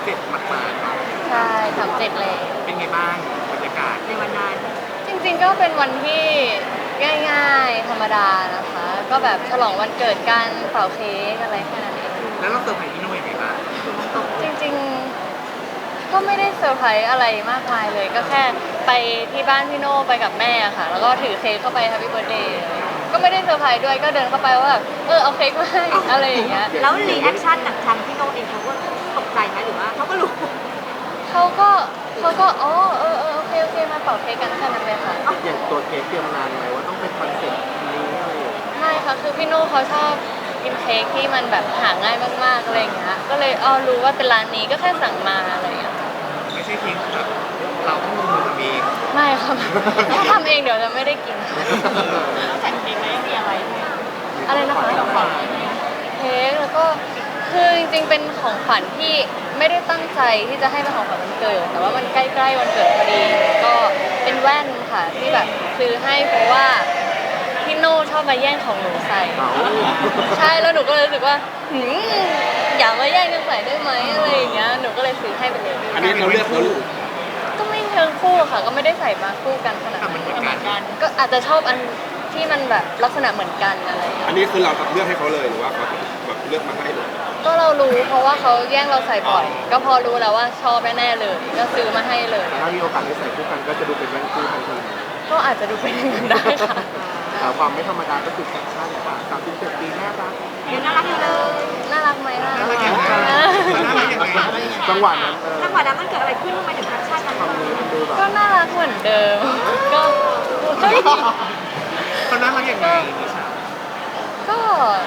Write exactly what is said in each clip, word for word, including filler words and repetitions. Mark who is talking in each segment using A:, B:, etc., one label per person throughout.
A: เจ็ดมากๆเนาะ
B: ใช่สามเจ็ดเลย
A: เป็นไงบ้างบรรยากาศ
C: ในวันนั้น
B: จริงๆก็เป็นวันที่ง่ายๆธรรมดานะคะก็แบบฉลองวันเกิดกันเป่าเค้กอะไรแค่นั้นเอง
A: แล้วเราเซอร์ไพรส์พี่โน่ยังไงบ้าง
B: จริงๆก็ไม่ได้เซอร์ไพรส์อะไรมากมายเลยก็แค่ไปที่บ้านพี่โน่ไปกับแม่ค่ะแล้วก็ถือเค้กเข้าไป Happy Birthday ก็ไม่ได้เซอร์ไพรส์ด้วยก็เดินเข้าไปว่าแบบเออเอาเค้กมาให้อะไรอย่างเงี้ย
C: แล้วรีแอคชั่นจากทางพี่โน่เองเขาก็ตกใจไหมหรือว่าเขาก็รู้
B: เขาก็เขาก็อ๋อเออเออโอเคโอเคมาเป่าเค้กกันแค่นั้นเลยค่ะ
A: อย่างตัวเค้กเตรียมนานไหมว่าต้องเป็นคอนเซ็ปต์นี้อะไร
B: ไม่ค่ะคือพี่โน่เขาชอบกินเค้กที่มันแบบหาง่ายมากๆอะไรอย่างเงี้ยก็เลยอ๋อรู้ว่าเป็นร้านนี้ก็แค่สั่งมาอะไรอย่างเงี้ย
A: ไม่ใช่เค้กแบบเราต้องลงมือทำเอง
B: ไม่ค่ะถ้าทำเองเดี๋ยวจะไม่ได้กิน
C: แล้วแต่เค้กไม่มีอะไร
B: อะไรนะคะเค้กแล้วก็คือจริงๆเป็นของขวัญที่ไม่ได้ตั้งใจที่จะให้เป็นของขวัญวันเกิดแต่ว่ามันใกล้ๆวันเกิดพอดีก็เป็นแว่นค่ะที่แบบซื้อให้เพราะว่าพี่โน่ชอบมาแย่งของหนูใส่ใช่แล้วหนูก็เลยรู้สึกว่าหืมอย่ามาแย่งกันใส่ได้ไหมอะไรอย่างเงี้ยหนูก็เลยซื้อให้ไปเลย
A: อันนี้เราเลือกคู่
B: ก็ไม่เชิงคู่ค่ะก็ไม่ได้ใส่มาคู่กันขนาดนั้น
A: เหมือนกัน
B: ก็อาจจะชอบอันที่มันแบบลักษณะเหมือนกันอะไร
A: อันนี้คือเราเลือกให้เขาเลยหรือว่าเขาแบบเลือกมาให้เลย
B: ก็เรารู้เพราะว่าเขาแย่งเราใส่บ่อยก็พอรู้แล้วว่าชอบแน่ๆเลยก็ซื้อมาให้เลย
A: ถ้ามีโอกาสได้ใส่คู่กันก็จะดูเป็นแว่นคู่ทันที
B: ก็อาจจะดูเป็นอย่างนั้นได้ค่ะ
A: แต่ความไม่ธรรมดาก็คือแฟชั่นค่ะสามสิบเจ็ดปีน่ารัก
C: ยังน่ารักอยู่เลย
B: น่ารักไหมล่ะ
A: น่ารักยังไงน่ารักยังไงจังหวะนั้น
C: จังหวะนั้นมันเกิดอะไรขึ้นทำไมถึงแฟชั่นมัน
B: ก็น่ารักเหมือนเดิมก็ก็
A: เขาน่ารักยังไงนิชา
B: ก็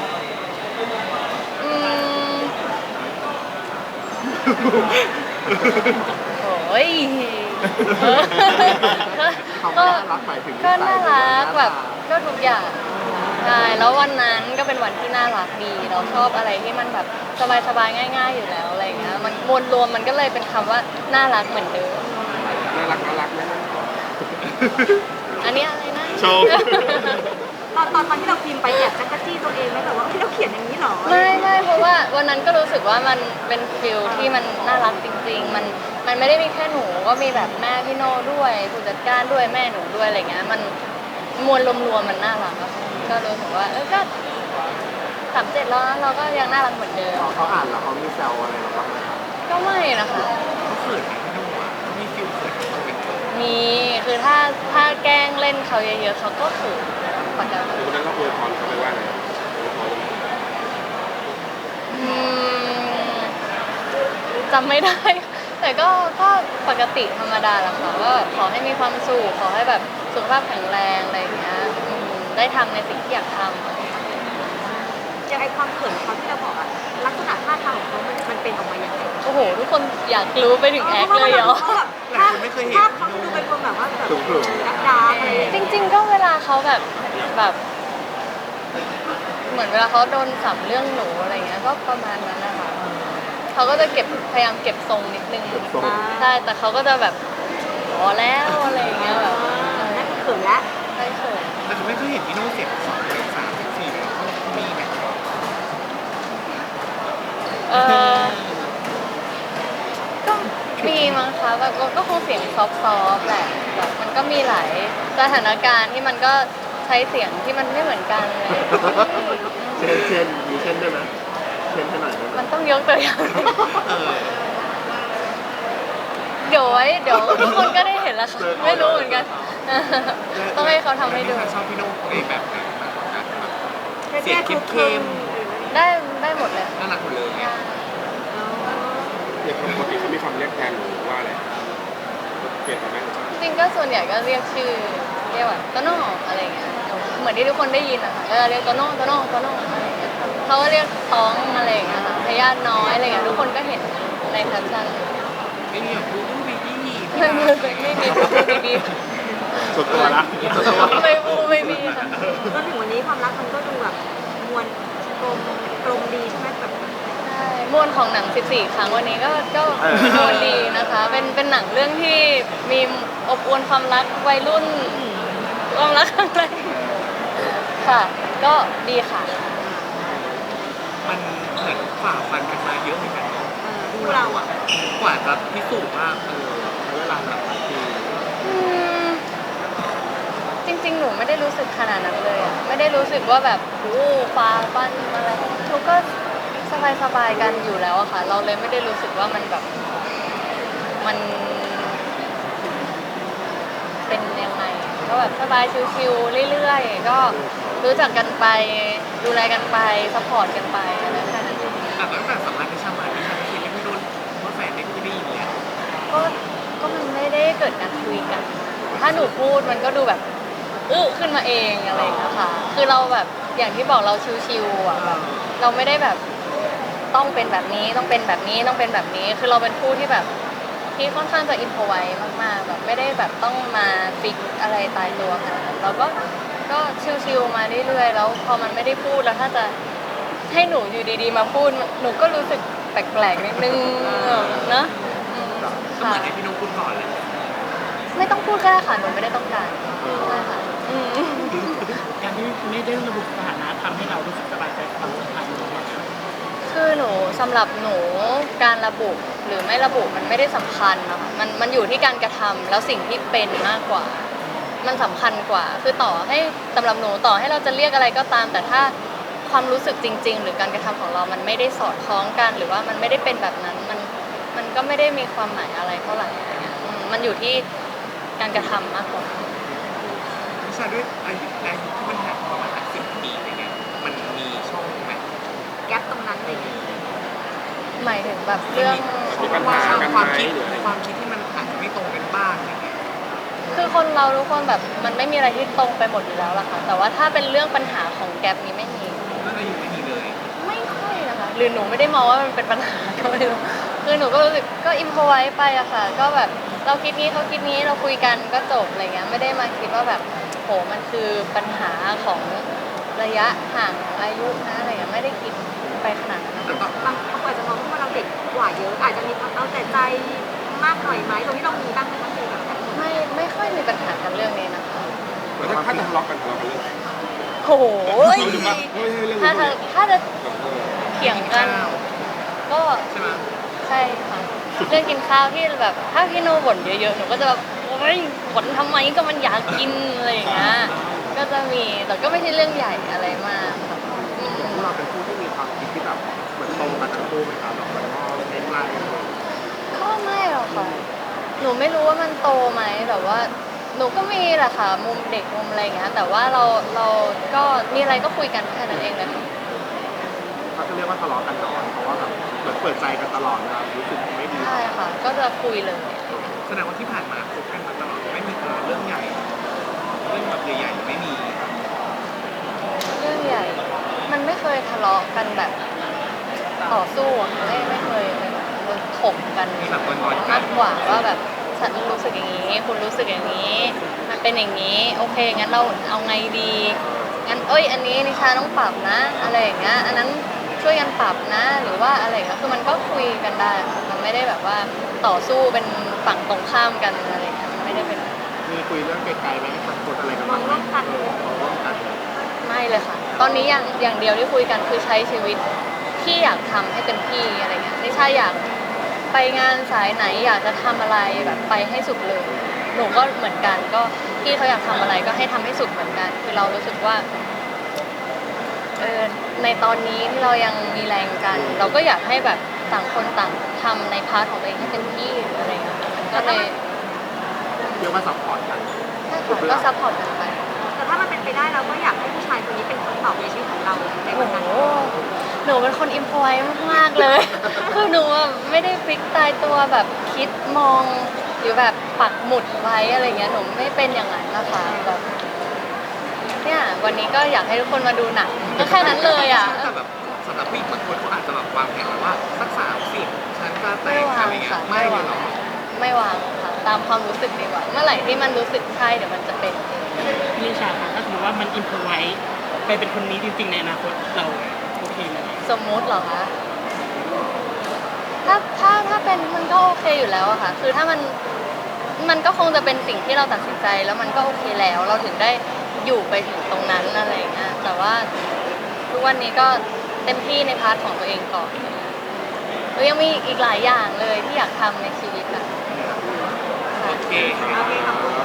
B: อืมโอ้ยก็ก็น่ารักแบบก็ทุกอย่างใช่แล้ววันนั้นก็เป็นวันที่น่ารักดีเราชอบอะไรที่มันแบบสบายๆง่ายๆอยู่แล้วอะไรเงี้ยมันมวลรวมมันก็เลยเป็นคำว่าน่ารักเหมือนเดิม
A: น่ารักน่ารักนะ
B: อันนี้อะไรนะ
A: โชว์
C: ตอนตอนตอนที่เราพิมพ์ไปแอบจักรจี้ตัวเองไหมแบบว่าเราเขียนอย่างนี้หรอ
B: ไม่ไม่เพราะว่าวันนั้นก็รู้สึกว่ามันเป็นฟิลที่มันน่ารักจริงๆมันมันไม่ได้มีแค่หนูก็มีแบบแม่พี่โน่ด้วยผู้จัดการด้วยแม่หนูด้วยอะไรเงี้ยมันมวลรวมๆมันน่ารักก็รู้สึกว่าเออก็สามเจ็ดแล้วเราก็ยังน่ารักเหมือนเดิม
A: เขาอ่านแล้วเขามีแซวอะไรหรอบ้าง
B: ก็ไม่นะคะ
A: เขาเขินไหมพี่โน่อะมีฟิลเขิน
B: มีคือถ้าถ้าแกล้งเล่นเขาเยอะๆเขาก็เขินปกติ
A: วันนั้นเราอวยพรเขาไปว่าอะไร
B: จำไม่ได้แต่ก็ก็ปกติธรรมดาแหละค่ะก็ขอให้มีความสุขขอให้แบบสุขภาพแข็งแรงอะไรอย่างเงี้ยได้ทำในสิ่งที่อยากทำ
C: อย่างไอความเขินเขาที่เราบอกอะลักษณะท่าทางของเขามันมันเป็นออกมาอย่างไร
B: โอ้โหทุกคนอยากรู้ไปถึงแอคเลยเหรอ
A: หลายคนไม่เคยเห็น
C: ภาพเขาดูเป็นคนแบบว่าแบบดักดาอะไร
B: จริงๆก็เวลาเขาแบบแบบเหมือนเวลาเขาโดนสัมเรื่องหนูอะไรเงี้ยก็ประมาณนั้นนะคะเขาก็จะเก็บพยายามเก็บทรงนิดนึงใช่แต่เขาก็จะแบบพอแล้วอะไรเงี้ยแบบ
C: นั่นเขินแล้ว
B: ใช่เขิน
A: แต่ไม่เคยเห็นพี่โน่เสียงสองเสียงสามเสียงสี่เลยมีไหม
B: เออก็มีมั้งคะแบบก็คงเสียงซอฟต์ๆแหละแบบมันก็มีหลายสถานการณ์ที่มันก็ใช้เสียงที่มันไม่เหมือนกันเลย
A: เช่นเช่นมีเช่นด้วยนะเช่นให้หน่อย
B: มันต้องยกตัวอย่างเดี๋ยวไว้เดี๋ยวทุกคนก็ได้เห็นแล้วค่ะไม่รู้เหมือนกันต้องให้เขาทำให้ดู
A: ชอบพี่โน่ในแบบไหนมากกว่ากันเสียงเข้ม
B: ๆได้ได้หมดเลย
A: น่ารักหมดเลยเนี่ยปกติเขามีความเรียกแทนหรือว่าอะไรเปลี่ยนไปไหม
B: จริงก็ส่วนใหญ่ก็เรียกชื่อเรียกว่าโตโน่อะไรเงี้ยเหมือนที่ทุกคนได้ยินอะค่ะเออเรียกโตโน่โตโน่โตโน่อะไรเงี้ยเขาก็เรียกท้องอะไรเงี้ยค่ะพยาธิน้อยอะไรเงี้ยทุกคนก็เห็นในแคปชั่น
A: ไม่มีแบบพูดบีบี
B: ไม่มีไม่มีพูดบีบี
A: สุดตัวละ
B: ไม่พูดไม่มีค่ะ
C: จนถึงวันนี้ความรักมันก็ดูแบบมวลกลมกลมดีใช่ไหมแบบ
B: ใช่มวลของหนังสิบสี่ครั้งวันนี้ก็ก็มวลดีนะคะเป็นเป็นหนังเรื่องที่มีอบอวลความรักวัยรุ่นความรักอะไรค่ะก็ดีค่ะ
A: มันเหมือนฝ่าฟันกันมาเยอะเหมือนกัน
C: รคู่เราอ่ะ
A: กว่าจะพิสูจน์ว่าเออใช้เวลาแบบคือ
B: อืมจริงๆ หนูไม่ได้รู้สึกขนาดนั้นเลยอะไม่ได้รู้สึกว่าแบบโอ้ฟ้าปั้นอะไรหนูก็สบายๆกันอยู่แล้วอะค่ะ เราเลยไม่ได้รู้สึกว่ามันแบบมันเป็นยังไงก็แบบสบายชิวๆเรื่อยๆก็รู้จักกันไปดูแลกันไปซัพพอร์ตกันไปอะไรแค่นั้นเอง
A: อ่ะตั้งแต่สัมภาษณ์ที่ชามาที่ชาไม่คิดไม่โดนว่าแฟนไม่คุยได้ยินเนี่ย
B: ก็ก็มันไม่ได้เกิดการคุยกัน ถ้าหนูพูดมันก็ดูแบบอื้อขึ้นมาเองอะไรอย่างเงี้ยค่ะ คือเราแบบอย่างที่บอกเราชิวๆอ่ะแบบเราไม่ได้แบบต้องเป็นแบบนี้ต้องเป็นแบบนี้ต้องเป็นแบบนี้ คือเราเป็นผู้ที่แบบที่ค่อนข้างจะอินพอไว้มากๆแบบไม่ได้แบบต้องมาฟิกอะไรตายตัวขนาดนั้นเราก็ก็ชิวๆมาเรื่อยๆแล้วพอมันไม่ได้พูดแล้วถ้าจะให้หนูอยู่ดีๆมาพูดหนูก็รู้สึกแปลกๆนิดนึงเนอะอืม
A: ก็เห
B: ค่ะ
A: มือนให้พี่นุ๊กพูดก่อนเลย
B: ไม่ต้องพูดก็ได้ค่ะหนูไม่ได้ต้องการใช่ค่ะอืม
D: การที่ไม่ได้ระบุสถานะทำให้เรารู้สึกสบายใจกับความสัมพันธ์นี้นะครับ
B: คือหนูสำหรับหนูการระบุหรือไม่ระบุมันไม่ได้สำคัญนะคะมันมันอยู่ที่การกระทำแล้วสิ่งที่เป็นมากกว่า มันสำคัญกว่า คือต่อให้สำหรับหนูต่อให้เราจะเรียกอะไรก็ตาม แต่ถ้าความรู้สึกจริง ๆ หรือการกระทำของเรามันไม่ได้สอดคล้องกันหรือว่ามันไม่ได้เป็นแบบนั้นมันมันก็ไม่ได้มีความหมายอะไรเท่าไหร่อะไรเงี้ยอืมมันอยู่ที่การกระทำมากกว่า
A: พี่ชาด้วยอายุอายุที่มันห่างประมาณสิบปีอะไรเงี้ยมันมีช่องไหม
C: แก๊ปตรงนั้นเลย
B: หมายถึงแบบเรื่อง
A: มีปัญหากันความคิดความคิดที่มันอาจจะไม่ตรงกันบ้างอะไรเงี้ย
B: คือคนเราทุกคนแบบมันไม่มีอะไรที่ตรงไปหมดอยู่แล้วล่ะค่ะแต่ว่าถ้าเป็นเรื่องปัญหาของแกรปนี้ไม่มี
A: เรื่องอายุไม่มีเลย
B: ไม่ค่อยนะคะหรือหนูไม่ได้มองว่ามันเป็นปัญหาก็ไม่รู้คือหนูก็รู้สึกก็อิมพอไว้ไปอะค่ะ ก็แบบเราคิดนี้เขาคิดนี้เราคุยกันก็จบอะไรเงี้ยไม่ได้มาคิดว่าแบบโหมันคือปัญหาของระยะห่างของอายุนะอะไรเงี้ยไม่ได้คิดไปขนาดนั้นนะคะ
A: แล้วก็
C: บางคนอาจจะมองว่าเราเด็กกว่าเยอะ อาจจะมีความเอาแต่ใจมากหน่อยไหมตรงที่เรามีบ้างไหมคะคือแบบนั้น
B: ไม่ไม่ค่อยมีปัญหากันเรื่องนี้นะคะ
E: แล้วถ้าจะทะเลาะกันทะเลาะกันเรื่องอะไร
B: โอ้โห
E: ไม่ใช่เรื่อง
B: ถ้า
E: นี้
B: จะถ้าจะเถียงกัน ก็
A: ใช่ไหม
B: ใช่ค่ะเรื่องกินข้าวที่แบบถ้าพี่โนบ่นเยอะๆหนูก็จะแบบโอ๊ยบ่นทำไมก็มันอยากกินอะไรอย่างเงี้ยก็จะมีแต่ก็ไม่ใช่เรื่องใหญ่อะไรมากค่ะอืม
E: พวกเราเป็นผู้ที่มีความคิดที่แบบเหมือนตรงกันทั้งคู่ไหมครับแบบเหมือนมองใกล้ๆกันเลย
B: ก็ไม่หรอกค่ะหนูไม่รู้ว่ามันโตไหมแต่ว่าหนูก็มีแหละค่ะมุมเด็กมุมอะไรอย่างเงี้ยแต่ว่าเราเราก็มีอะไรก็คุยกันแค่นั้นเองเลยค่ะ
E: เขาจะเรียกว่าทะเลาะกันน้อยเพราะว่าแบบเหมือนเปิดใจกันตลอดเวลารู้สึกไม่ดี
B: ใช่ค่ะ ก็จะคุยเลย
A: แสดงว่าที่ผ่านมาคบกันมาตลอดไม่มีเรื่องใหญ่เรื่องแบบใหญ่ๆไม่มี
B: เรื่องใหญ่ มันไม่เคยทะเลาะกันแบบต่อสู้อะค่ะไม่ไม่เคยเลยแบบถกกัน
A: มีแบบงอนๆกั
B: มาน กกว่าว่าแบบฉันรู้สึกอย่างนี้ คุณรู้สึกอย่างนี้ มันเป็นอย่างนี้ โอเคงั้นเราเอาไงดีงั้นเอ้ยอันนี้นิชาต้องปรับนะ อะไรอย่างเงี้ยอันนั้นช่วยกันปรับนะ หรือว่าอะไรอย่างเงี้ยคือมันก็คุยกันได้ค่ะมันไม่ได้แบบว่าต่อสู้เป็นฝั่งตรงข้ามกันอะไรอย่างเงี้ยมันไม่ได้เป็น
E: มีคุยเรื่องไกลๆไหมมันกดอะไรกันบ้างไหมเออมองร่วมกัน
B: ไม่เลยค่ะ ตอนนี้อย่างอย่างเดียวที่คุยกันคือใช้ชีวิตที่อยากทำให้เต็มที่อะไรเงี้ยไม่ใช่อยากไปงานสายไหนอยากจะทำอะไรแบบไปให้สุดเลย หนูก็เหมือนกันก็พี่เขาอยากทำอะไรก็ให้ทำให้สุดเหมือนกัน คือเรารู้สึกว่าเออในตอนนี้ที่เรายังมีแรงกัน เราก็อยากให้แบบต่างคนต่างทำในพาร์ทของตัวเองให้เต็มที่อะไรเงี้ยมันก็เลย
E: เรียกว่าซัพพอร์ตกัน
B: ใช่ค่ะก็ซัพพอร์ตกันไป
C: แต่ถ้ามันเป็นไปได้เราก็อยากให้ผู้ชายคนนี้เป็นคนตอบในชีวิตของเราในวันนั้น
B: โอ้โหหนูเป็นคนอิมพอไว้มากๆเลย คือหนูอะไม่ได้ฟิกตายตัวแบบคิดมองหรือแบบปักหมุดไว้อะไรเงี้ย หนูไม่เป็นอย่างนั้นนะคะแบบเนี่ยวันนี้ก็อยากให้ทุกคนมาดูหนังก็แค่นั้นเลยอ่ะ
A: แต่แบบสำหรับผู้หญิงบางคนเขาอาจจะแบบวางแผนไว้ว่าสักสามสิบฉันก็แต่งอะไรเงี้ยไม่เลยหรอ
B: ไม่วางค่ะ ตามความรู้สึกดีกว่า เมื่อไหร่ที่มันรู้สึกใช่เดี๋ยวมันจะเป็น
D: พี่นิชาคะถ้าสมมติว่ามันอินพอไว้ไปเป็นคนนี้จริงๆในอนาคตเราโอเคไหม
B: สมมุติเหรอคะ ถ้าถ้าถ้าเป็นมันก็โอเคอยู่แล้วอะค่ะ คือถ้ามันมันก็คงจะเป็นสิ่งที่เราตัดสินใจแล้วมันก็โอเคแล้ว เราถึงได้อยู่ไปถึงตรงนั้นอะไรอย่างเงี้ย แต่ว่าทุกวันนี้ก็เต็มที่ในพาร์ทของตัวเองก่อน
A: ถ
B: หนูยังมีอีกหลายอย่างเลยที่อยากทำในชีวิตอะ
A: โอเค
C: โอเคขอบคุณ